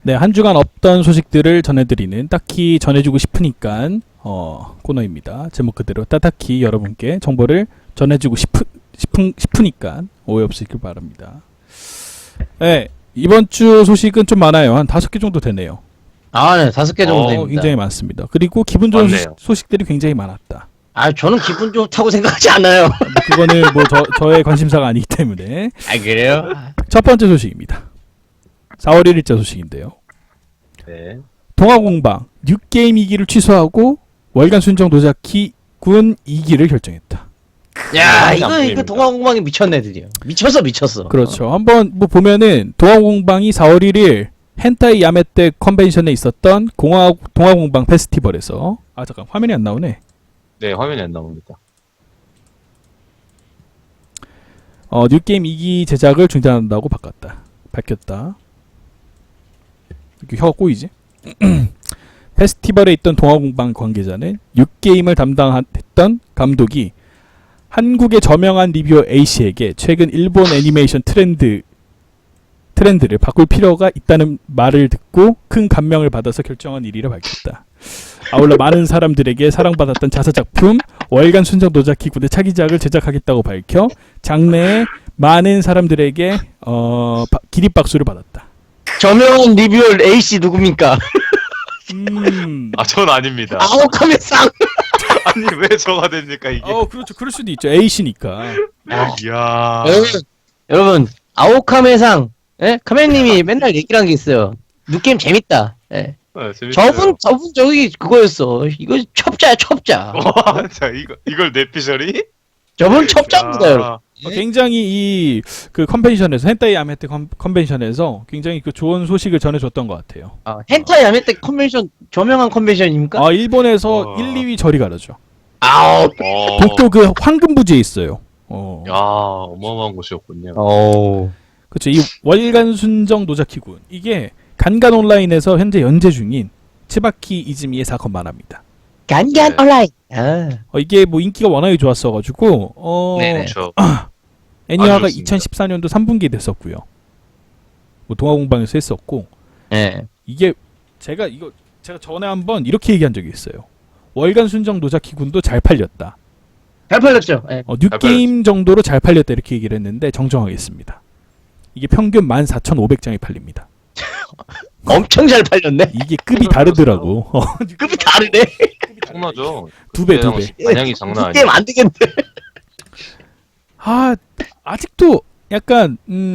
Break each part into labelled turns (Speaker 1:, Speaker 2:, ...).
Speaker 1: 네, 한 주간 없던 소식들을 전해드리는 딱히 전해주고 싶으니까 코너입니다. 제목 그대로 딱히 여러분께 정보를 전해주고 싶으니까 오해 없으시길 바랍니다. 네, 이번 주 소식은 좀 많아요. 한 5개 정도 되네요.
Speaker 2: 아, 네, 5개 정도 됩니다.
Speaker 1: 굉장히 많습니다. 그리고 기분 좋은
Speaker 3: 맞네요.
Speaker 1: 소식들이 굉장히 많았다.
Speaker 2: 아, 저는 기분 좋다고 생각하지 않아요.
Speaker 1: 그거는 뭐 저의 관심사가 아니기 때문에.
Speaker 2: 아, 그래요?
Speaker 1: 첫 번째 소식입니다. 4월 1일자 소식인데요.
Speaker 3: 네.
Speaker 1: 동아공방 뉴게임 2기를 취소하고 월간 순정 노자키 군 2기를 결정했다.
Speaker 2: 야,
Speaker 3: 안
Speaker 2: 이거
Speaker 3: 보입니다.
Speaker 2: 동아공방이 미쳤네들이요. 미쳤어.
Speaker 1: 그렇죠. 한번 뭐 보면은 동아공방이 4월 1일 헨타이 야메떼 컨벤션에 있었던 동아공방 페스티벌에서 잠깐 화면이 안 나오네.
Speaker 3: 네, 화면이 안 나옵니다.
Speaker 1: 뉴게임 2기 제작을 중단한다고 밝혔다. 이렇게 혀가 꼬이지? 페스티벌에 있던 동아공방 관계자는 뉴게임을 담당했던 감독이 한국의 저명한 리뷰어 A씨에게 최근 일본 애니메이션 트렌드를 바꿀 필요가 있다는 말을 듣고 큰 감명을 받아서 결정한 일이라 밝혔다. 아울러 많은 사람들에게 사랑받았던 자사작품 월간 순정 노자키 군의 차기작을 제작하겠다고 밝혀 장래에 많은 사람들에게 기립박수를 받았다.
Speaker 2: 저명한 리뷰어 A씨 누굽니까?
Speaker 3: 전 아닙니다.
Speaker 2: 아오카메 쌍!
Speaker 3: 아니, 왜 저가 됩니까, 이게?
Speaker 1: 그렇죠. 그럴 수도 있죠. A씨니까.
Speaker 3: 이야.
Speaker 2: 여러분, 아오카메 상, 예? 카메님이 맨날 얘기를 한 게 있어요. 뉴게임 재밌다. 예.
Speaker 3: 재밌어요.
Speaker 2: 저분 저기 그거였어. 이거 첩자야, 첩자.
Speaker 3: 와, 자, 이걸 내피셜이?
Speaker 2: 저분 첩자입니다, 여러분.
Speaker 1: 굉장히 그 컨벤션에서 헨타이 야메테 컨벤션에서 굉장히 그 좋은 소식을 전해줬던 것 같아요.
Speaker 2: 헨타이 야메떼 컨벤션, 저명한 컨벤션입니까?
Speaker 1: 일본에서 1, 2위 저리 가르죠.
Speaker 2: 아우.
Speaker 1: 독도 그 황금부지에 있어요.
Speaker 3: 야, 어마어마한 곳이었군요.
Speaker 1: 그렇죠. 이 월간 순정 노자키군 이게 간간 온라인에서 현재 연재 중인 츠바키 이즈미의 사건 만화입니다.
Speaker 2: 간간
Speaker 3: 네.
Speaker 2: 온라인.
Speaker 1: 이게 뭐 인기가 워낙에 좋았어가지고
Speaker 2: 네네.
Speaker 3: 그렇죠.
Speaker 1: 애니화가
Speaker 3: 아주 좋습니다.
Speaker 1: 2014년도 3분기에 됐었고요. 뭐 동아공방에서 했었고
Speaker 2: 네.
Speaker 1: 이게 제가 전에 한번 이렇게 얘기한 적이 있어요. 월간 순정 노자키군도 잘 팔렸다.
Speaker 2: 잘 팔렸죠. 네.
Speaker 1: 뉴게임 정도로 잘 팔렸다 이렇게 얘기를 했는데 정정하겠습니다. 이게 평균 14,500장이 팔립니다.
Speaker 2: 엄청 잘 팔렸네.
Speaker 1: 이게 급이 다르더라고.
Speaker 2: 급이 다르네.
Speaker 3: 엄청나죠?
Speaker 1: 2배.
Speaker 3: 반향이 장난 아니에요.
Speaker 2: 게임 안 되겠네.
Speaker 1: 아직도 약간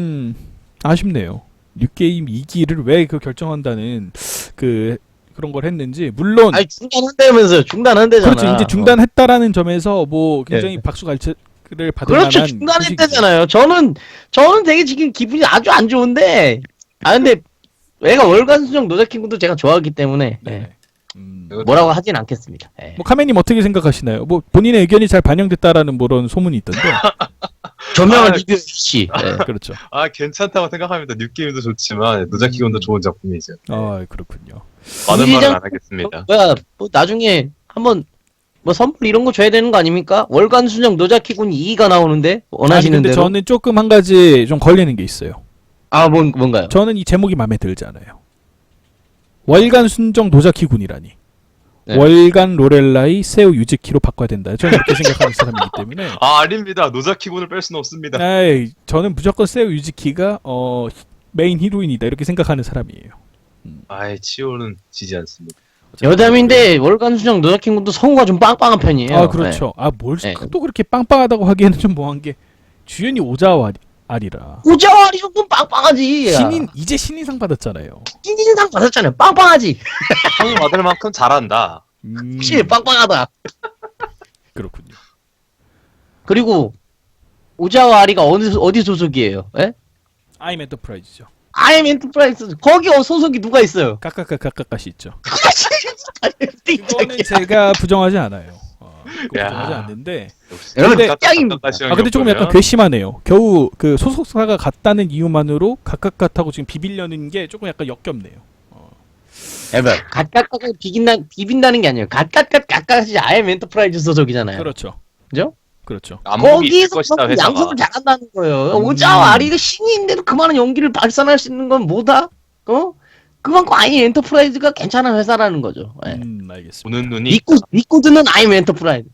Speaker 1: 아쉽네요. 뉴게임 2기를 왜 그 결정한다는 그런 걸 했는지 물론
Speaker 2: 아니 중단한다면서요. 중단한대잖아.
Speaker 1: 그렇죠. 이제 중단했다라는 점에서 뭐 굉장히 박수갈채를 받을
Speaker 2: 그렇죠.
Speaker 1: 만한
Speaker 2: 중단했다잖아요. 저는 되게 지금 기분이 아주 안 좋은데. 근데 애가 월간 수정 노자킹군도 제가 좋아하기 때문에
Speaker 1: 네.
Speaker 2: 뭐라고 하진 않겠습니다. 네.
Speaker 1: 뭐 카메님 어떻게 생각하시나요? 뭐 본인의 의견이 잘 반영됐다라는 그런 소문이 있던데.
Speaker 2: 저명한 리뷰 씨. 네.
Speaker 1: 그렇죠.
Speaker 3: 괜찮다고 생각합니다. 뉴게임도 좋지만 노자키군도 좋은 작품이죠.
Speaker 1: 그렇군요.
Speaker 3: 많은 말은 안 하겠습니다.
Speaker 2: 뭐 나중에 한번 뭐 선물 이런 거 줘야 되는 거 아닙니까? 월간 수정 노자키군 2가 나오는데 원하시는
Speaker 1: 근데
Speaker 2: 대로.
Speaker 1: 저는 조금 한 가지 좀 걸리는 게 있어요.
Speaker 2: 뭔가요?
Speaker 1: 저는 이 제목이 마음에 들지 않아요. 월간 순정 노자키군이라니.
Speaker 2: 네.
Speaker 1: 월간 로렐라이 세우 유즈키로 바꿔야 된다. 저는 이렇게 생각하는 사람이기 때문에.
Speaker 3: 아닙니다. 노자키군을 뺄 수는 없습니다.
Speaker 1: 저는 무조건 세우 유즈키가 메인 히로인이다 이렇게 생각하는 사람이에요.
Speaker 3: 치오는 지지 않습니다.
Speaker 2: 여담인데 월간 수정 노자킹군도 성우가 좀 빵빵한 편이에요.
Speaker 1: 그렇죠. 뭘
Speaker 2: 네.
Speaker 1: 또 그렇게 빵빵하다고 하기에는 좀 뭐한 게 주연이 오자와 아리라.
Speaker 2: 오자와리 정도는 빵빵하지.
Speaker 1: 이제 신인상 받았잖아요.
Speaker 2: 신인상 받았잖아요. 빵빵하지.
Speaker 3: 상을 받을 만큼 잘한다.
Speaker 2: 확실히 빵빵하다.
Speaker 1: 그렇군요.
Speaker 2: 그리고 오자와 아리가 어디 소속이에요? 예?
Speaker 1: 아임 엔터프라이즈죠.
Speaker 2: 아임 엔터프라이즈 거기 소속이 누가 있어요?
Speaker 1: 까까까까까시 있죠.
Speaker 2: 띵짝이야.
Speaker 1: 그거는 제가 부정하지 않아요.
Speaker 3: 야.
Speaker 1: 부정하지 않는데.
Speaker 2: 여러분,
Speaker 1: 근데
Speaker 2: 짱입니다.
Speaker 1: 근데 조금 약간 괘씸하네요. 겨우 그 소속사가 같다는 이유만으로 각각같하고 지금 비비려는 게 조금 약간 역겹네요.
Speaker 2: 여러분, 갓갓갓 비빈다는 게 아니에요. 갓갓갓갓갓이 아임 엔터프라이즈 소속이잖아요.
Speaker 1: 그렇죠.
Speaker 2: 그죠?
Speaker 1: 그렇죠.
Speaker 3: 안목이 있을
Speaker 2: 거기서
Speaker 3: 것이다, 회사가.
Speaker 2: 양성을 잘한다는 거예요. 오자와 아리가 신인인데도 그만한 연기를 발산할 수 있는 건 뭐다? 그만큼 아임 엔터프라이즈가 괜찮은 회사라는 거죠. 예.
Speaker 1: 알겠습니다.
Speaker 3: 보는 눈이
Speaker 2: 믿고 듣는 아임 엔터프라이즈.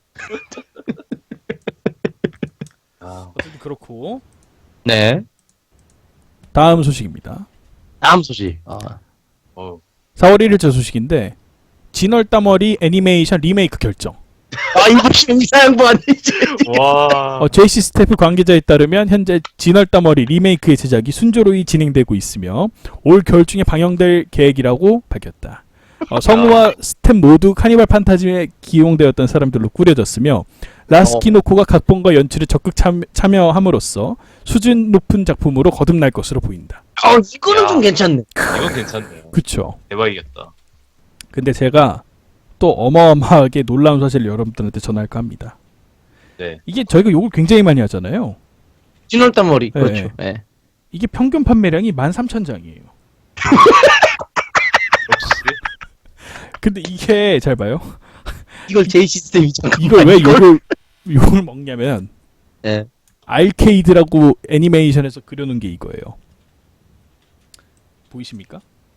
Speaker 3: 아,
Speaker 1: 어쨌든 그렇고
Speaker 2: 네.
Speaker 1: 다음 소식입니다.
Speaker 2: 다음 소식.
Speaker 1: 4월 1일자 소식인데 진월따머리 애니메이션 리메이크 결정.
Speaker 2: 이거 심사 양보 아니지?
Speaker 3: 와.
Speaker 1: JC 스태프 관계자에 따르면 현재 진월따머리 리메이크의 제작이 순조로이 진행되고 있으며 올 겨울 중에 방영될 계획이라고 밝혔다. 성우와 스텝 모두 카니발 판타지에 기용되었던 사람들로 꾸려졌으며 라스키노코가 각본과 연출에 적극 참여함으로써 수준 높은 작품으로 거듭날 것으로 보인다.
Speaker 2: 이거는
Speaker 3: 야.
Speaker 2: 좀 괜찮네.
Speaker 3: 이건 괜찮네요.
Speaker 1: 그쵸.
Speaker 3: 대박이겠다.
Speaker 1: 근데 제가 또 어마어마하게 놀라운 사실을 여러분들한테 전할까 합니다.
Speaker 3: 네.
Speaker 1: 이게 저희가 욕을 굉장히 많이 하잖아요.
Speaker 2: 진월단 머리.
Speaker 1: 네.
Speaker 2: 그렇죠. 예.
Speaker 1: 이게 평균 판매량이 13,000장이에요.
Speaker 3: 역시
Speaker 1: 근데 이게 잘 봐요.
Speaker 2: 이걸 제 시스템이잖아.
Speaker 1: 이걸 왜 욕을 먹냐면
Speaker 2: 예.
Speaker 1: 알케이드라고 애니메이션에서 그려놓은 게 이거예요. 보이십니까?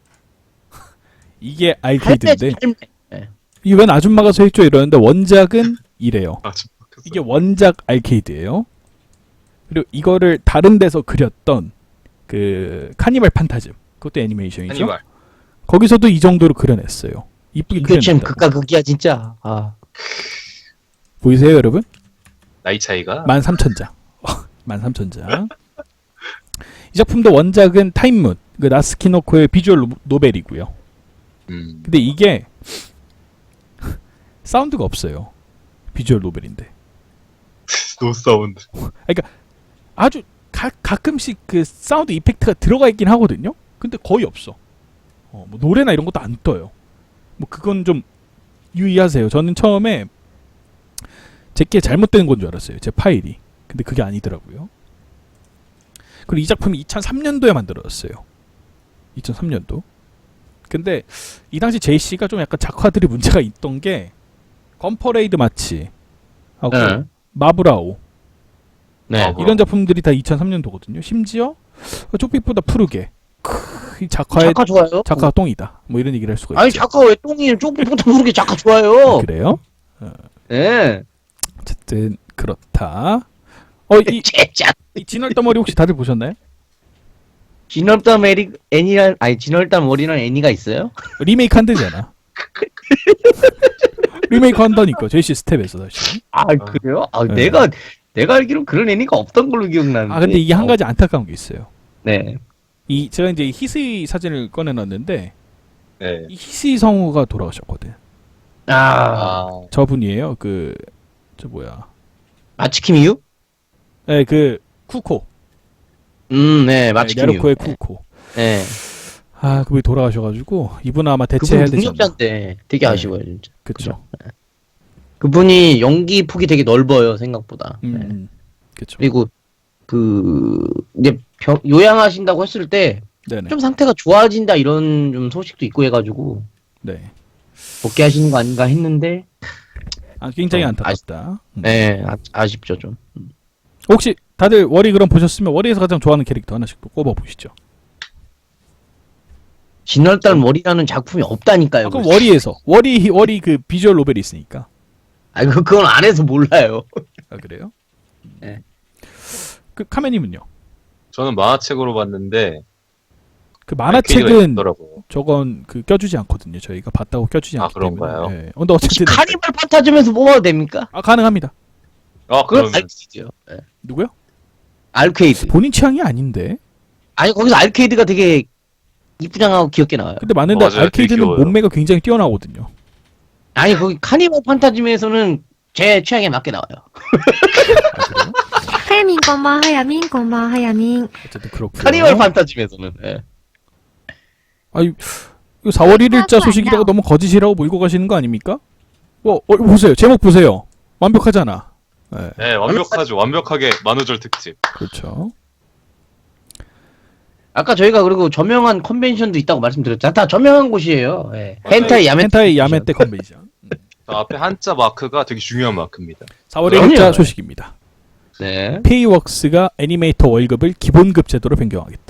Speaker 1: 이게 알케이드인데 이게 웬 아줌마가 서 있죠 이러는데 원작은 이래요. 이게 원작 알케이드예요. 그리고 이거를 다른 데서 그렸던 그 카니발 판타즘 그것도 애니메이션이죠.
Speaker 3: 카니발.
Speaker 1: 거기서도 이 정도로 그려냈어요. 이쁘게
Speaker 2: 이거 참
Speaker 1: 그려냈다고.
Speaker 2: 극과 극이야 진짜.
Speaker 1: 보이세요 여러분?
Speaker 3: 나이 차이가
Speaker 1: 13,000장. 13,000장. 이 작품도 원작은 타임문, 그 나스키노코의 비주얼 노벨이고요. 근데 이게 사운드가 없어요. 비주얼 노벨인데.
Speaker 3: 노 사운드.
Speaker 1: 아주 가끔씩 그 사운드 이펙트가 들어가 있긴 하거든요. 근데 거의 없어. 뭐 노래나 이런 것도 안 떠요. 뭐 그건 좀 유의하세요. 저는 처음에 제게 잘못된 건 줄 알았어요. 제 파일이. 근데 그게 아니더라고요. 그리고 이 작품이 2003년도에 만들어졌어요. 2003년도. 근데 이 당시 JC가 좀 약간 작화들이 문제가 있던 게 건퍼레이드 마치 하고
Speaker 2: 네.
Speaker 1: 마브라오
Speaker 2: 네.
Speaker 1: 이런 작품들이 다 2003년도거든요. 심지어 쪽빛보다 푸르게 이 작화의
Speaker 2: 작가 좋아요.
Speaker 1: 작가가 똥이다. 뭐 이런 얘기를 할 수가
Speaker 2: 아니
Speaker 1: 있죠.
Speaker 2: 작가 왜 똥이에요? 조금부터 모르게 작가 좋아요.
Speaker 1: 그래요?
Speaker 2: 예.
Speaker 1: 어쨌든 그렇다.
Speaker 2: 진짜.
Speaker 1: 이 진월더머리 혹시 다들 보셨나요?
Speaker 2: 진월단 애니랑 진월단 머리랑 애니가 있어요?
Speaker 1: 리메이크 한대잖아. 리메이크 한다니까 JC 스텝에서 다시.
Speaker 2: 그래요?
Speaker 1: 네.
Speaker 2: 내가 알기로 그런 애니가 없던 걸로 기억나는데.
Speaker 1: 근데 이게 한 가지 안타까운 게 있어요.
Speaker 2: 네.
Speaker 1: 제가 이제 히스이 사진을 꺼내놨는데
Speaker 3: 네.
Speaker 1: 이 히스이 성우가 돌아가셨거든. 저분이에요. 저 뭐야?
Speaker 2: 마츠키미유?
Speaker 1: 네, 그 쿠코.
Speaker 2: 네, 마츠키미유.
Speaker 1: 야르코의 쿠코.
Speaker 2: 네.
Speaker 1: 그분이 돌아가셔가지고 이분 아마 대체해야
Speaker 2: 그분
Speaker 1: 되지 않나.
Speaker 2: 능력자인데 되게 아쉬워요, 진짜.
Speaker 1: 그렇죠.
Speaker 2: 그분이 연기 폭이 되게 넓어요, 생각보다. 네.
Speaker 1: 그렇죠.
Speaker 2: 그리고 이제 요양하신다고 했을 때 좀
Speaker 1: 네네.
Speaker 2: 상태가 좋아진다 이런 좀 소식도 있고 해가지고
Speaker 1: 네.
Speaker 2: 복귀하시는 거 아닌가 했는데
Speaker 1: 굉장히
Speaker 2: 좀
Speaker 1: 안타깝다.
Speaker 2: 네, 아쉽죠 좀.
Speaker 1: 혹시 다들 워리 그럼 보셨으면 워리에서 가장 좋아하는 캐릭터 하나씩 또 꼽아 보시죠.
Speaker 2: 진월달 머리라는 작품이 없다니까요.
Speaker 1: 그럼 워리에서 워리 그 비주얼 노벨이 있으니까.
Speaker 2: 그건 안 해서 몰라요.
Speaker 1: 그래요?
Speaker 2: 네.
Speaker 1: 그 카메님은요?
Speaker 3: 저는 만화책으로 봤는데
Speaker 1: 그
Speaker 3: 알케이드가
Speaker 1: 만화책은
Speaker 3: 있더라고요.
Speaker 1: 저건 껴주지 않거든요. 저희가 봤다고 껴주지 않기
Speaker 3: 그런가요?
Speaker 1: 때문에. 네. 근데 어쨌든
Speaker 2: 카니발 판타즘에서 뽑아도 됩니까?
Speaker 1: 가능합니다.
Speaker 2: 그건
Speaker 3: 그러면
Speaker 2: 알케이드요. 네.
Speaker 1: 누구요?
Speaker 2: 알케이드.
Speaker 1: 본인 취향이 아닌데.
Speaker 2: 거기서 알케이드가 되게 이쁘장하고 귀엽게 나와요.
Speaker 1: 근데 맞는데
Speaker 3: 맞아요.
Speaker 1: 알케이드는
Speaker 3: 되게 귀여워요.
Speaker 1: 몸매가 굉장히 뛰어나거든요.
Speaker 2: 거기 카니발 판타즘에서는 제 취향에 맞게 나와요.
Speaker 1: 그래요?
Speaker 4: はやみんこんばんはやみんこんばんはやみん
Speaker 1: 어쨌든 그렇고요.
Speaker 2: 카니발 판타즘에서는. 네.
Speaker 1: 이거 4월 1일자 소식이라고 너무 거짓이라고 몰고 가시는 거 아닙니까? 보세요. 제목 보세요. 완벽하잖아. 네.
Speaker 3: 네, 완벽하죠. 완벽하게 만우절 특집.
Speaker 1: 그렇죠.
Speaker 2: 아까 저희가 그리고 저명한 컨벤션도 있다고 말씀드렸잖아요. 다 저명한 곳이에요. 네. 헨타이 야메.
Speaker 1: 헨타이 야메떼 컨벤션.
Speaker 3: 앞에 한자 마크가 되게 중요한 마크입니다.
Speaker 1: 4월
Speaker 2: 그럼요.
Speaker 1: 1일자 소식입니다.
Speaker 2: 네.
Speaker 1: 페이웍스가 애니메이터 월급을 기본급 제도로 변경하겠다.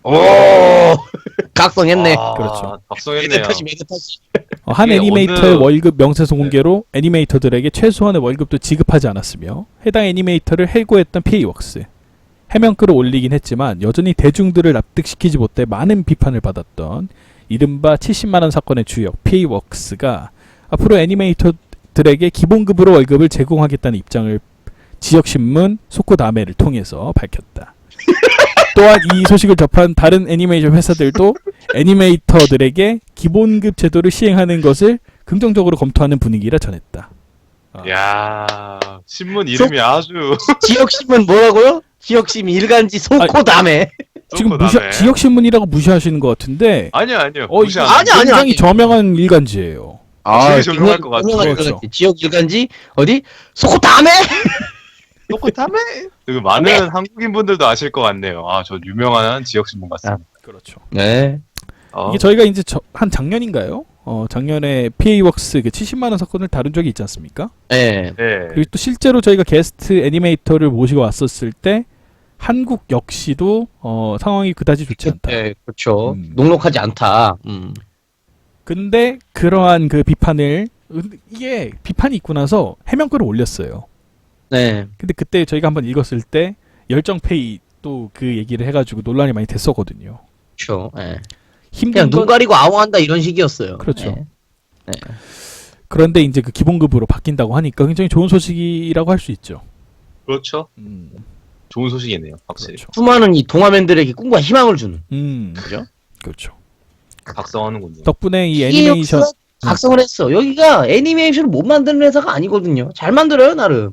Speaker 2: 오 각성했네.
Speaker 3: 아,
Speaker 1: 그렇죠.
Speaker 3: 각성했네요.
Speaker 2: 매드타시.
Speaker 1: 한
Speaker 3: 이게
Speaker 1: 애니메이터의
Speaker 3: 어느-
Speaker 1: 월급 명세서 공개로 애니메이터들에게 최소한의 월급도 지급하지 않았으며 해당 애니메이터를 해고했던 PA웍스. 해명글을 올리긴 했지만 여전히 대중들을 납득시키지 못해 많은 비판을 받았던 이른바 70만원 사건의 주역 PA웍스가 앞으로 애니메이터들에게 기본급으로 월급을 제공하겠다는 입장을 지역신문 소코다메를 통해서 밝혔다. 또한 이 소식을 접한 다른 애니메이션 회사들도 애니메이터들에게 기본급 제도를 시행하는 것을 긍정적으로 검토하는 분위기라 전했다.
Speaker 3: 야 신문 이름이 아주
Speaker 2: 지역신문 뭐라고요? 지역신문 일간지 소코다메.
Speaker 1: 지금
Speaker 3: 그다음에.
Speaker 1: 지역신문이라고 무시하시는 것 같은데
Speaker 3: 아니요
Speaker 1: 이게
Speaker 3: 무시 안
Speaker 2: 아니,
Speaker 3: 합니다.
Speaker 1: 굉장히 저명한 일간지예요.
Speaker 3: 되게 조용할 것 같아요.
Speaker 1: 그렇죠.
Speaker 2: 지역 일간지 어디 소코다메.
Speaker 3: 똑같다며? 그 많은 한국인 분들도 아실 것 같네요. 아, 저 유명한 지역 신문 같습니다.
Speaker 1: 그렇죠.
Speaker 2: 네.
Speaker 1: 이게 저희가 이제 한 작년인가요? 작년에 PA웍스 그 70만 원 사건을 다룬 적이 있지 않습니까?
Speaker 2: 네.
Speaker 3: 네.
Speaker 1: 그리고 또 실제로 저희가 게스트 애니메이터를 모시고 왔었을 때 한국 역시도 상황이 그다지 좋지 않다.
Speaker 2: 네, 그렇죠.
Speaker 1: 음.
Speaker 2: 녹록하지 않다.
Speaker 1: 근데 그러한 그 비판을 이게 비판이 있고 나서 해명글을 올렸어요.
Speaker 2: 네.
Speaker 1: 근데 그때 저희가 한번 읽었을 때 열정페이 또 그 얘기를 해가지고 논란이 많이 됐었거든요.
Speaker 2: 그렇죠. 네.
Speaker 1: 힘든
Speaker 2: 그냥 눈
Speaker 1: 건
Speaker 2: 가리고 아웅한다 이런 식이었어요.
Speaker 1: 그렇죠.
Speaker 2: 네.
Speaker 1: 그런데 이제 그 기본급으로 바뀐다고 하니까 굉장히 좋은 소식이라고 할 수 있죠.
Speaker 3: 그렇죠. 좋은 소식이네요. 확실히.
Speaker 1: 그렇죠.
Speaker 2: 수많은 이 동화맨들에게 꿈과 희망을 주는.
Speaker 1: 그죠? 그렇죠.
Speaker 3: 각성하는군요.
Speaker 1: 덕분에 이 애니메이션
Speaker 2: 각성을 했어. 여기가 애니메이션을 못 만드는 회사가 아니거든요. 잘 만들어요 나름.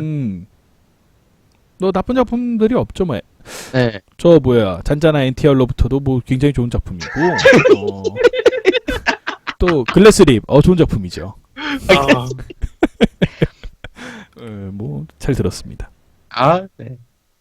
Speaker 1: 너 나쁜 작품들이 없죠, 뭐.
Speaker 2: 네.
Speaker 1: 저 뭐야 잔잔한 엔티얼로부터도 뭐 굉장히 좋은 작품이고 또 글래스립 좋은 작품이죠.
Speaker 3: 아,
Speaker 1: 뭐 잘 들었습니다.
Speaker 2: 아, 네.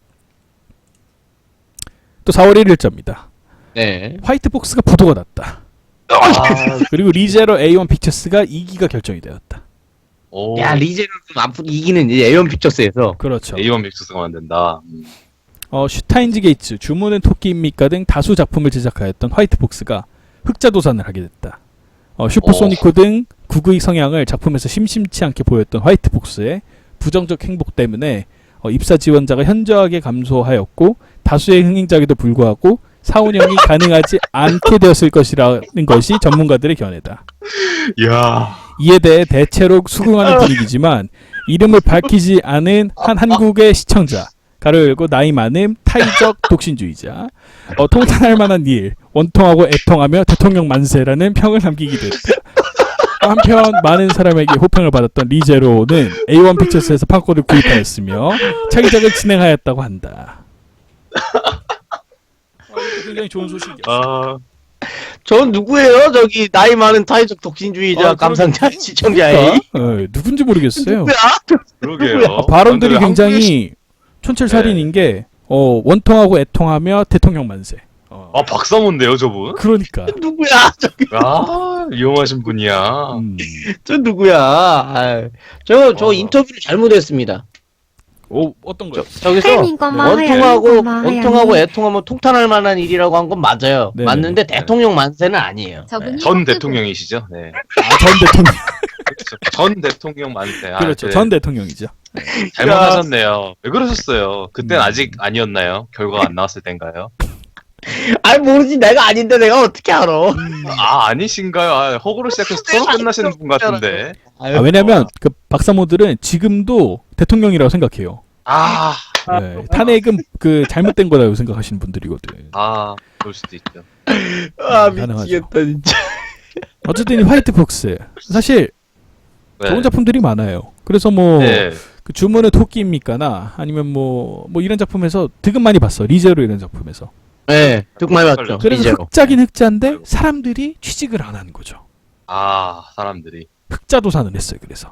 Speaker 1: 또 4월 1일자입니다.
Speaker 2: 네.
Speaker 1: 화이트복스가 부도가 났다. 그리고 리제로 A1 픽처스가 2기가 결정이 되었다.
Speaker 3: 오.
Speaker 2: 야 리제를 좀 앞으로 이기는 이제 에온 픽처스에서.
Speaker 1: 그렇죠.
Speaker 3: A1 믹스가 만든다.
Speaker 1: 슈타인즈 게이츠, 주문은 토끼입니까 등 다수 작품을 제작하였던 화이트복스가 흑자 도산을 하게 됐다. 슈퍼소니코 등 국의 성향을 작품에서 심심치 않게 보였던 화이트복스의 부정적 행복 때문에 입사 지원자가 현저하게 감소하였고 다수의 흥행작에도 불구하고 4, 5년이 가능하지 않게 되었을 것이라는 것이 전문가들의 견해다.
Speaker 3: 이야.
Speaker 1: 이에 대해 대체로 수긍하는 분위기지만 이름을 밝히지 않은 한 한국의 시청자 가로 열고 나이 많음 타이적 독신주의자 통탄할 만한 일 원통하고 애통하며 대통령 만세라는 평을 남기기도 했다. 한편 많은 사람에게 호평을 받았던 리제로는 A1 픽처스에서 판권을 구입하였으며 차기작을 진행하였다고 한다. 굉장히 좋은 소식이었어요.
Speaker 3: 아,
Speaker 2: 전 누구예요? 저기 나이 많은 타이적 독신주의자 감상자 시청자의
Speaker 1: 누군지 모르겠어요.
Speaker 2: 누구야?
Speaker 3: 그러게요.
Speaker 1: 발언들이
Speaker 3: 근데
Speaker 1: 굉장히 촌철살인인 게 원통하고 애통하며 대통령 만세.
Speaker 3: 아, 박사모인데요, 저분?
Speaker 1: 그러니까.
Speaker 2: 누구야? 저기
Speaker 3: 아, 위험하신 분이야.
Speaker 2: 저 누구야? 아, 저 인터뷰를 잘못했습니다.
Speaker 1: 어떤 거요?
Speaker 2: 저기서
Speaker 4: 하야민건마
Speaker 2: 원통하고
Speaker 4: 하야민건마
Speaker 2: 원통하고
Speaker 4: 하야민.
Speaker 2: 애통하면 통탄할 만한 일이라고 한 건 맞아요.
Speaker 1: 네네.
Speaker 2: 맞는데 대통령 만세는 아니에요.
Speaker 4: 저분이
Speaker 3: 전 대통령이시죠? 네.
Speaker 1: 전 대통령.
Speaker 3: 그렇죠. 전 대통령 만세. 아,
Speaker 1: 그렇죠.
Speaker 3: 네.
Speaker 1: 전 대통령이죠.
Speaker 3: 잘못하셨네요. 왜 그러셨어요? 그땐
Speaker 1: 음.
Speaker 3: 아직 아니었나요? 결과가 안 나왔을 땐가요?
Speaker 2: 아니 모르지 내가 아닌데 내가 어떻게 알아?
Speaker 3: 아, 아니신가요? 아, 허구로 시작해서 서로 끝나시는 분 같은데.
Speaker 1: 왜냐면 그 박사모들은 지금도 대통령이라고 생각해요.
Speaker 3: 아,
Speaker 1: 네, 탄핵은 그 잘못된 거라고 생각하시는 분들이거든.
Speaker 3: 아, 그럴 수도 있죠.
Speaker 2: 아
Speaker 1: 가능하죠.
Speaker 2: 미치겠다 진짜.
Speaker 1: 어쨌든 이 화이트복스 사실
Speaker 3: 네.
Speaker 1: 좋은 작품들이 많아요. 그래서 뭐
Speaker 3: 네.
Speaker 1: 그 주문은 토끼입니까나 아니면 뭐 이런 작품에서 되게 많이 봤어. 리제로 이런 작품에서.
Speaker 2: 네, 듣고 많이 봤죠.
Speaker 1: 그래서
Speaker 2: 이제로.
Speaker 1: 흑자긴 흑자인데 사람들이 취직을 안 하는 거죠.
Speaker 3: 아, 사람들이.
Speaker 1: 흑자 도산을 했어요. 그래서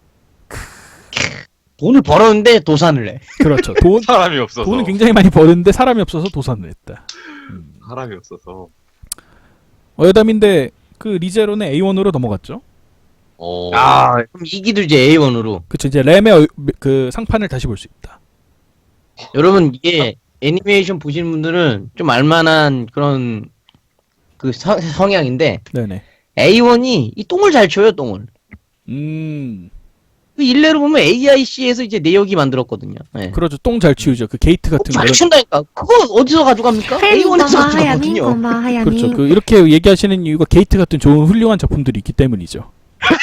Speaker 2: 돈을 벌었는데 도산을 해.
Speaker 1: 그렇죠.
Speaker 3: 사람이 없어서.
Speaker 1: 돈은 굉장히 많이 버는데 사람이 없어서 도산을 했다.
Speaker 3: 사람이 없어서.
Speaker 1: 여담인데 그 리제로는 A1으로 넘어갔죠.
Speaker 2: 아 그럼 이기도 이제 A1으로.
Speaker 1: 그쵸. 이제 램의 그 상판을 다시 볼 수 있다.
Speaker 2: 여러분 이게 애니메이션 보시는 분들은 좀 알만한 그런 그 성향인데
Speaker 1: 네네.
Speaker 2: A1이 이 똥을 잘 쳐요, 똥을. 그 일례로 보면 AIC에서 이제 내역이 만들었거든요. 네.
Speaker 1: 그렇죠. 똥 잘 치우죠. 그 게이트 같은
Speaker 2: 잘
Speaker 1: 거는.
Speaker 2: 치운다니까. 그거 어디서 가져갑니까?
Speaker 4: 하야민
Speaker 2: A1에서
Speaker 4: 고마워 하야민
Speaker 2: 가져가거든요.
Speaker 4: 고마워 하야민
Speaker 1: 그렇죠. 그 이렇게 얘기하시는 이유가 게이트 같은 좋은 훌륭한 작품들이 있기 때문이죠.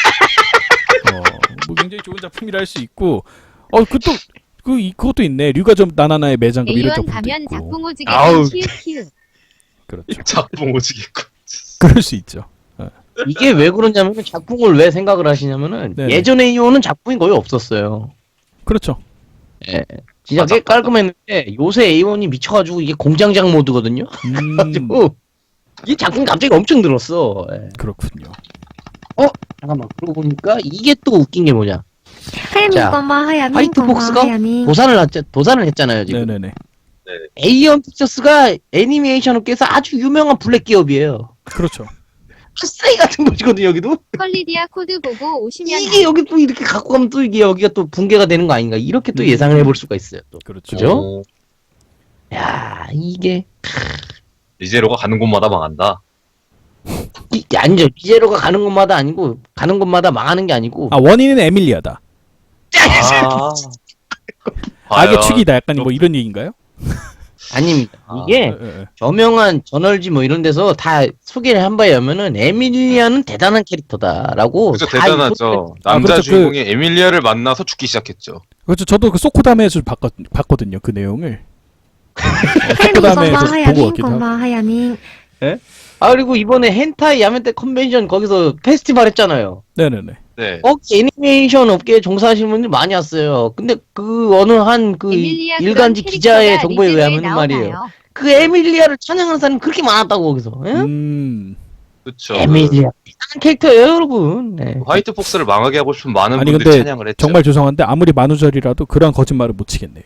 Speaker 1: 뭐 굉장히 좋은 작품이라 할 수 있고, 그것도 있네. 류가 좀 나나나의 매장금 이런
Speaker 5: A1
Speaker 1: 작품도
Speaker 5: 가면
Speaker 1: 있고.
Speaker 5: 작품 오지게
Speaker 2: 아우.
Speaker 5: 키읔키읔.
Speaker 1: 그렇죠.
Speaker 3: 작품 오지겠고.
Speaker 1: 그럴 수 있죠.
Speaker 2: 이게 왜 그러냐면 작품을 왜 생각을 하시냐면은
Speaker 1: 네네.
Speaker 2: 예전 A1은 작품이 거의 없었어요.
Speaker 1: 그렇죠.
Speaker 2: 예. 진짜 꽤 깔끔했는데 요새 A1이 미쳐가지고 이게 공장장 모드거든요. 가지고 이 작품 갑자기 엄청 늘었어. 예.
Speaker 1: 그렇군요.
Speaker 2: 잠깐만 그러고 보니까 이게 또 웃긴 게 뭐냐?
Speaker 4: 하야민
Speaker 2: 자,
Speaker 4: 고마워 하야민
Speaker 2: 화이트
Speaker 4: 고마워
Speaker 2: 복스가
Speaker 4: 하야민
Speaker 2: 도산을 했잖아요 지금.
Speaker 1: 네네네.
Speaker 2: A1 픽처스가 애니메이션 업계에서 아주 유명한 블랙 기업이에요.
Speaker 1: 그렇죠.
Speaker 2: 쓰레기 같은 곳이거든요 여기도.
Speaker 5: 컬리디아 코드 보고 오시면
Speaker 2: 이게 여기 또 이렇게 갖고 가면 또 이게 여기가 또 붕괴가 되는 거 아닌가 이렇게 또 예상을 해볼 수가 있어요. 또.
Speaker 1: 그렇죠.
Speaker 2: 그죠? 야 이게
Speaker 3: 리제로가 가는 곳마다 망한다.
Speaker 2: 아니죠. 리제로가 가는 곳마다 아니고 가는 곳마다 망하는 게 아니고
Speaker 1: 원인은 에밀리아다.
Speaker 3: 아.
Speaker 1: 악의 축이다. 약간 뭐 이런 얘기인가요?
Speaker 2: 아닙니다. 이게 저명한 저널지 뭐 이런 데서 다 소개를 한 바에 의하면은 에밀리아는 대단한 캐릭터다라고
Speaker 3: 그죠
Speaker 2: 다
Speaker 3: 대단하죠. 남자
Speaker 1: 그렇죠.
Speaker 3: 주인공이 에밀리아를 만나서 죽기 시작했죠.
Speaker 1: 그렇죠. 저도 그 소코다메에서 봤거든요. 그 내용을.
Speaker 4: 하야민
Speaker 1: 소코다메에서
Speaker 4: 고마워
Speaker 1: 보고
Speaker 4: 하야민
Speaker 1: 왔기도 하고.
Speaker 4: 고마워 하야민
Speaker 2: 그리고 이번에 헨타이 야멘테 컨벤션 거기서 페스티벌 했잖아요.
Speaker 1: 네네네.
Speaker 3: 네.
Speaker 2: 거기 애니메이션 업계에 종사하시는 분들이 많이 왔어요. 근데 그 어느 한 그
Speaker 5: 에밀리아
Speaker 2: 일간지
Speaker 5: 그런
Speaker 2: 기자의
Speaker 5: 캐릭터가
Speaker 2: 정보에
Speaker 5: 리제로에
Speaker 2: 의하면 말이에요.
Speaker 5: 나오나요?
Speaker 2: 그 에밀리아를 찬양하는 사람이 그렇게 많았다고 거기서. 예?
Speaker 3: 그렇죠.
Speaker 2: 에밀리아 대단한 캐릭터예요, 여러분. 네.
Speaker 3: 화이트 폭스를 망하게 하고 싶은 많은
Speaker 1: 아니,
Speaker 3: 분들이
Speaker 1: 근데
Speaker 3: 찬양을 했죠.
Speaker 1: 정말 죄송한데 아무리 만우절이라도 그런 거짓말을 못 치겠네요.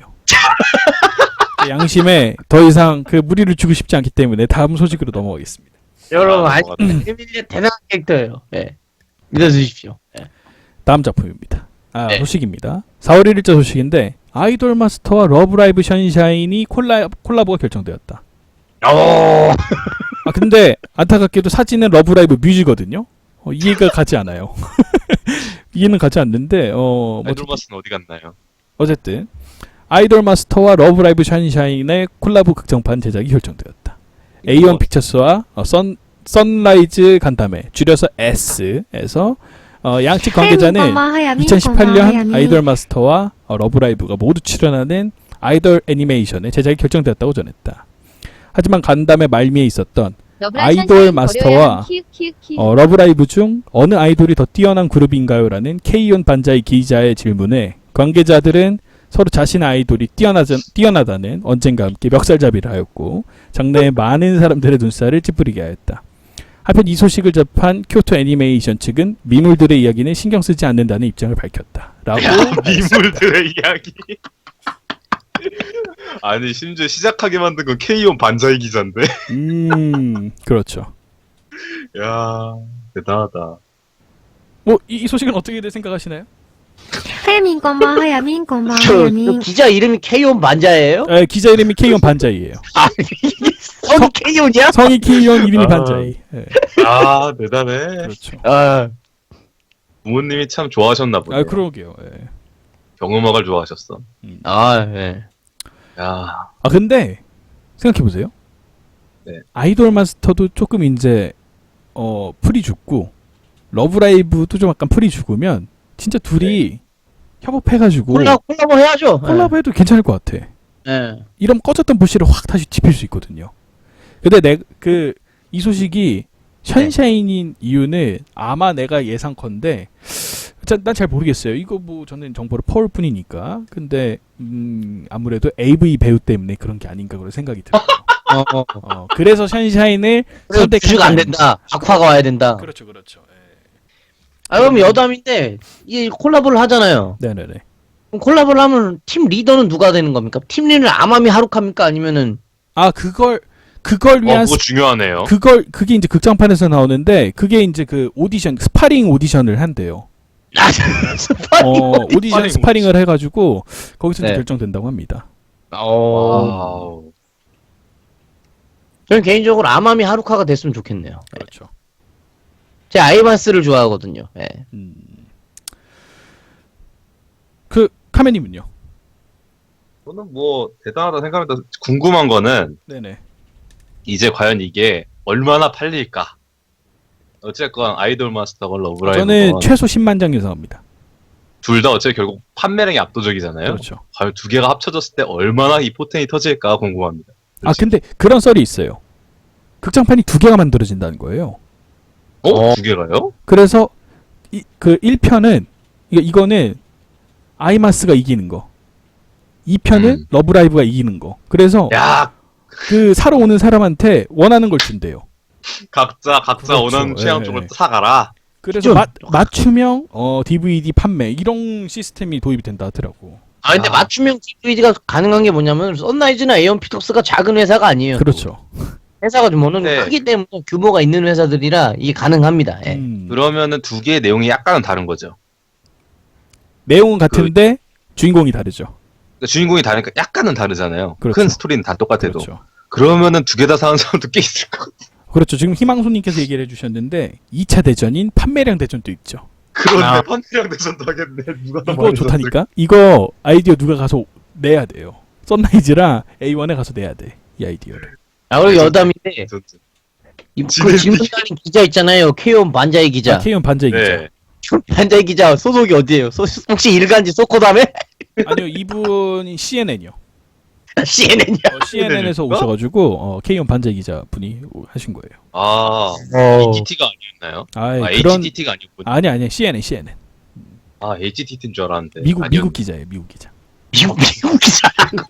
Speaker 1: 양심에 더 이상 그 무리를 주고 싶지 않기 때문에 다음 소식으로 넘어가겠습니다.
Speaker 2: 여러분,
Speaker 3: 아,
Speaker 2: 에밀리아 대단한 캐릭터예요. 예. 믿어주십시오. 예.
Speaker 1: 다음 작품입니다.
Speaker 2: 네.
Speaker 1: 소식입니다. 4월 1일자 소식인데 아이돌 마스터와 러브라이브 션샤인이 콜라보가 결정되었다. 근데 안타깝게도 사진은 러브라이브 뮤지거든요. 이해가 가지 않아요. 이해는 가지 않는데
Speaker 3: 아이돌 마스는 어디 갔나요?
Speaker 1: 어쨌든 아이돌 마스터와 러브라이브 션샤인의 콜라보 극장판 제작이 결정되었다. A1 픽처스와 선라이즈 간담회 줄여서 S에서 양측 관계자는
Speaker 4: 하야민 고마워 하야민
Speaker 1: 2018년
Speaker 4: 고마워 하야민
Speaker 1: 아이돌 마스터와 러브라이브가 모두 출연하는 아이돌 애니메이션의 제작이 결정되었다고 전했다. 하지만 간담회 말미에 있었던 아이돌 마스터와 러브라이브 중 어느 아이돌이 더 뛰어난 그룹인가요? 라는 K-온 반자이 기자의 질문에 관계자들은 서로 자신의 아이돌이 뛰어나다는 언젠가 함께 멱살잡이를 하였고 장래에 많은 사람들의 눈살을 찌푸리게 하였다. 한편 이 소식을 접한 쿄토 애니메이션 측은 미물들의 이야기는 신경 쓰지 않는다는 입장을 밝혔다. 라고
Speaker 3: 미물들의 이야기. 아니 심지어 시작하게 만든 건 K-온 반자이 기자인데.
Speaker 1: 그렇죠.
Speaker 3: 야 대단하다.
Speaker 1: 이 소식은 어떻게 생각하시나요?
Speaker 4: 하야민 고마워 하야민 고마워
Speaker 2: 저
Speaker 4: 하야민
Speaker 2: 기자 이름이 K-온 반자예요?
Speaker 1: 기자 이름이 K-온 반자이예요.
Speaker 2: 성이 K-온이야?
Speaker 1: 성이 K-온 이름이 반자이.
Speaker 3: 아 대단해.
Speaker 1: 그렇죠.
Speaker 3: 부모님이 참 좋아하셨나 보네.
Speaker 1: 그러게요.
Speaker 3: 경음악을 좋아하셨어.
Speaker 2: 예.
Speaker 3: 야.
Speaker 1: 근데 생각해 보세요.
Speaker 3: 네.
Speaker 1: 아이돌 마스터도 조금 이제 풀이 죽고 러브라이브도 좀 약간 풀이 죽으면 진짜 둘이 협업해가지고
Speaker 2: 콜라보 해야죠.
Speaker 1: 콜라보해도 괜찮을 것 같아.
Speaker 2: 예.
Speaker 1: 이러면 꺼졌던 불씨를 확 다시 지필 수 있거든요. 근데 이 소식이 션샤인인 이유는 아마 내가 예상컨대 난 잘 모르겠어요. 이거 뭐 저는 정보를 퍼올 뿐이니까. 근데 아무래도 AV 배우 때문에 그런 게 아닌가 그런 생각이 들어요. 그래서 션샤인을 선택한
Speaker 2: 주주가 안 된다. 박화가 와야 된다.
Speaker 1: 그렇죠.
Speaker 2: 그럼 여담인데 이 콜라보를 하잖아요.
Speaker 1: 네네네.
Speaker 2: 그럼 콜라보를 하면 팀 리더는 누가 되는 겁니까? 팀 리더는 아마미 하루카입니까? 아니면은
Speaker 1: 그걸 위한
Speaker 3: 그거 중요하네요.
Speaker 1: 그게 이제 극장판에서 나오는데 그게 이제 그 오디션 스파링 오디션을 한대요.
Speaker 2: 스파링
Speaker 1: 오디션 스파링을 해가지고 거기서 이제
Speaker 2: 네.
Speaker 1: 결정된다고 합니다.
Speaker 3: 와우.
Speaker 2: 저는 개인적으로 아마미 하루카가 됐으면 좋겠네요.
Speaker 1: 그렇죠.
Speaker 2: 제가 아이마스를 좋아하거든요. 예.
Speaker 1: 그 카메님은요?
Speaker 3: 저는 뭐 대단하다 생각합니다. 궁금한 거는
Speaker 1: 네네.
Speaker 3: 이제 과연 이게 얼마나 팔릴까? 어쨌건 아이돌 마스터건 러브라이브건
Speaker 1: 저는 최소 10만 장 예상합니다.
Speaker 3: 둘 다 어차피 결국 판매량이 압도적이잖아요.
Speaker 1: 그렇죠.
Speaker 3: 과연 두 개가 합쳐졌을 때 얼마나 이 포텐이 터질까 궁금합니다.
Speaker 1: 아 근데 그런 썰이 있어요. 극장판이 2개가 만들어진다는 거예요.
Speaker 3: 두 개가요?
Speaker 1: 그래서 그 1편은 이거는 아이마스가 이기는 거. 2편은 러브라이브가 이기는 거. 그래서
Speaker 3: 야,
Speaker 1: 그 사러 오는 사람한테 원하는 걸 준대요.
Speaker 3: 각자
Speaker 1: 그렇죠.
Speaker 3: 원하는 취향
Speaker 1: 예,
Speaker 3: 쪽을
Speaker 1: 예.
Speaker 3: 사가라.
Speaker 1: 그래서 맞춤형 DVD 판매 이런 시스템이 도입이 된다 하더라고.
Speaker 2: 아 근데 맞춤형 DVD가 가능한 게 뭐냐면 썬라이즈나 에온 피톡스가 작은 회사가 아니에요.
Speaker 1: 그렇죠.
Speaker 2: 회사가 좀 어느 정도
Speaker 3: 네.
Speaker 2: 크기 때문에 규모가 있는 회사들이라 이게 가능합니다. 예.
Speaker 3: 그러면은 두 개의 내용이 약간은 다른 거죠.
Speaker 1: 내용은 같은데 주인공이 다르죠.
Speaker 3: 그러니까 주인공이 다르니까 약간은 다르잖아요.
Speaker 1: 그렇죠.
Speaker 3: 큰 스토리는 다 똑같아도.
Speaker 1: 그렇죠.
Speaker 3: 그러면은 두 개 다 사는 사람도 꽤 있을 것 같아요.
Speaker 1: 그렇죠. 지금 희망손님께서 얘기를 해주셨는데 2차 대전인 판매량 대전도 있죠.
Speaker 3: 그런데
Speaker 2: 아.
Speaker 3: 판매량 대전도 하겠네. 누가 더
Speaker 1: 이거
Speaker 3: 많이
Speaker 1: 좋다니까? 이거 아이디어 누가 가서 내야 돼요. 썬라이즈랑 A1에 가서 내야 돼. 이 아이디어를.
Speaker 2: 아 그리고 여담인데
Speaker 3: 샀을지.
Speaker 2: 그 질문 달린 기자 있잖아요. 케이온 반자이 기자.
Speaker 1: K1 반자이 기자.
Speaker 3: 네.
Speaker 2: 반자이 기자 소속이 어디예요? 혹시 일간지 소코담에?
Speaker 1: 아니요, 이분이 CNN이요.
Speaker 2: CNN이야.
Speaker 1: CNN에서
Speaker 3: CNN 인가?
Speaker 1: 오셔가지고 K1 반자이 기자 분이 하신 거예요.
Speaker 3: 아,
Speaker 2: 어.
Speaker 3: HTT가 아니었나요?
Speaker 1: 아,
Speaker 3: 아,
Speaker 1: 그런
Speaker 3: HTT가 아니었군요.
Speaker 1: 아니 CNN.
Speaker 3: 아, HTT인 줄 알았는데.
Speaker 1: 미국
Speaker 3: 아니었네.
Speaker 1: 기자예요. 미국 기자.
Speaker 2: 미국 기자.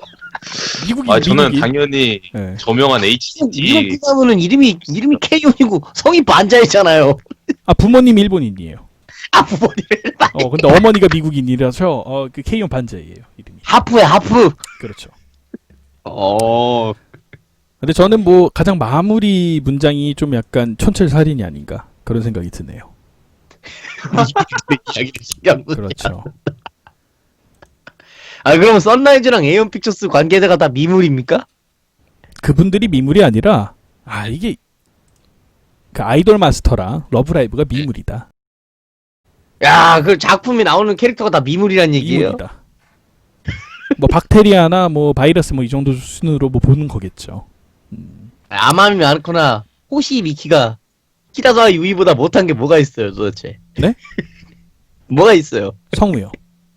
Speaker 1: 미국이
Speaker 3: 아, 저는
Speaker 1: 미국이.
Speaker 3: 당연히
Speaker 1: 네.
Speaker 3: 저명한
Speaker 2: 미국
Speaker 3: HTT.
Speaker 2: 기자분은 이름이 케이온이고 성이 반자이잖아요.
Speaker 1: 아 부모님 일본인이에요.
Speaker 2: 아 부모님
Speaker 1: 근데 어머니가 미국인이라서 그 K1 반자이예요. 이름이.
Speaker 2: 하프야 하프.
Speaker 1: 그렇죠.
Speaker 2: 근데
Speaker 1: 저는 뭐 가장 마무리 문장이 좀 약간 촌철살인이 아닌가 그런 생각이 드네요.
Speaker 2: 이야기를 신기한 거.
Speaker 1: 그렇죠.
Speaker 2: 아 그럼 썬라이즈랑 에온 픽처스 관계자가 다 미물입니까?
Speaker 1: 그분들이 미물이 아니라 이게 그 아이돌 마스터랑 러브라이브가 미물이다.
Speaker 2: 야, 그 작품에 나오는 캐릭터가 다 미물이란 얘기예요.
Speaker 1: 미물이다. 뭐 박테리아나 뭐 바이러스 뭐 이 정도 수준으로 뭐 보는 거겠죠.
Speaker 2: 아마미 많거나 호시 미키가 키다사와 유이보다 못한 게 뭐가 있어요, 도대체?
Speaker 1: 네?
Speaker 2: 뭐가 있어요?
Speaker 1: 성우요.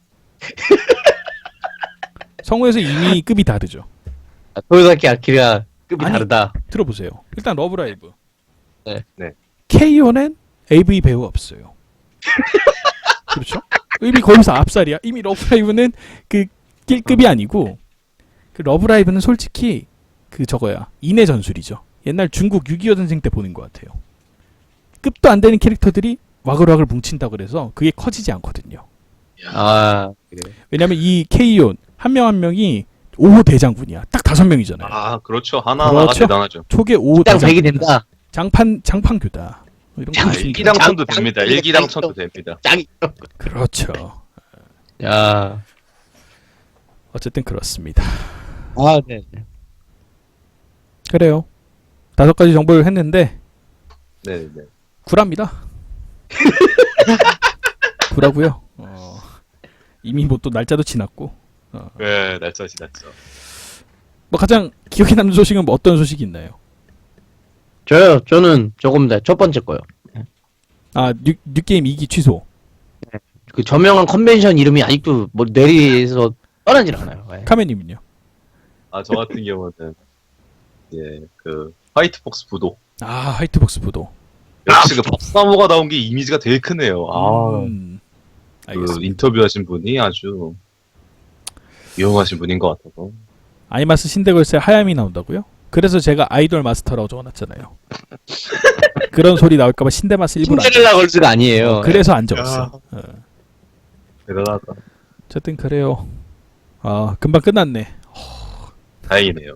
Speaker 1: 성우에서 이미 급이 다르죠.
Speaker 2: 도요사키 아키라 급이
Speaker 1: 아니.
Speaker 2: 다르다.
Speaker 1: 들어보세요. 일단 러브라이브.
Speaker 2: 네.
Speaker 3: 네.
Speaker 1: K.O.는 AV 배우 없어요. 그렇죠? 이미 거기서 앞살이야. 이미 러브라이브는 그 낄급이 아니고 그 러브라이브는 솔직히 그 저거야. 인의 전술이죠. 옛날 중국 6.25 전쟁 때 보는 것 같아요. 급도 안 되는 캐릭터들이 와글와글 뭉친다 그래서 그게 커지지 않거든요.
Speaker 2: 아, 그래.
Speaker 1: 왜냐면 이 K.O. 한 명 한 명이 5호 대장군이야. 딱 5명이잖아요.
Speaker 3: 아, 그렇죠. 하나하나가
Speaker 1: 그렇죠.
Speaker 3: 대단하죠.
Speaker 1: 초계 5호
Speaker 2: 딱
Speaker 1: 대장군.
Speaker 2: 100이 된다.
Speaker 1: 장판교다. 뭐 이런 거
Speaker 2: 장-
Speaker 1: 있습니다.
Speaker 3: 일기당천도 됩니다.
Speaker 2: 장-
Speaker 3: 일기당천도 됩니다.
Speaker 2: 짱이.
Speaker 1: 그렇죠.
Speaker 2: 야.
Speaker 1: 어쨌든 그렇습니다.
Speaker 2: 아, 네.
Speaker 1: 그래요. 5가지 정보를 했는데
Speaker 3: 네, 네.
Speaker 1: 구랍니다. 구라고요. 이미 뭐 또 날짜도 지났고.
Speaker 3: 네, 날짜 지났죠.
Speaker 1: 뭐 가장 기억에 남는 소식은 뭐 어떤 소식이 있나요?
Speaker 2: 저는 저겁니다. 첫 번째 거요.
Speaker 1: 뉴게임 2기 취소.
Speaker 2: 그 저명한 컨벤션 이름이 아직도 뭐 뇌리에서 떠나질 않아요. 예.
Speaker 1: 카메님은요?
Speaker 3: 아, 저 같은 경우는 예, 그 화이트복스 부도.
Speaker 1: 화이트복스 부도.
Speaker 3: 역시 그 박사모가 나온 게 이미지가 되게 크네요. 그
Speaker 1: 알겠습니다.
Speaker 3: 인터뷰하신 분이 아주 유용하신 분인 것 같아서.
Speaker 1: 아이마스 신데걸스에 하야미 나온다고요? 그래서 제가 아이돌 마스터라고 적어놨잖아요. 그런 소리 나올까봐 신데마스 일부러 안
Speaker 2: 신데렐라 걸스가 아니에요.
Speaker 1: 그래서 안 적었어.
Speaker 3: 대단하다.
Speaker 1: 어쨌든 그래요. 금방 끝났네.
Speaker 3: 다행이네요.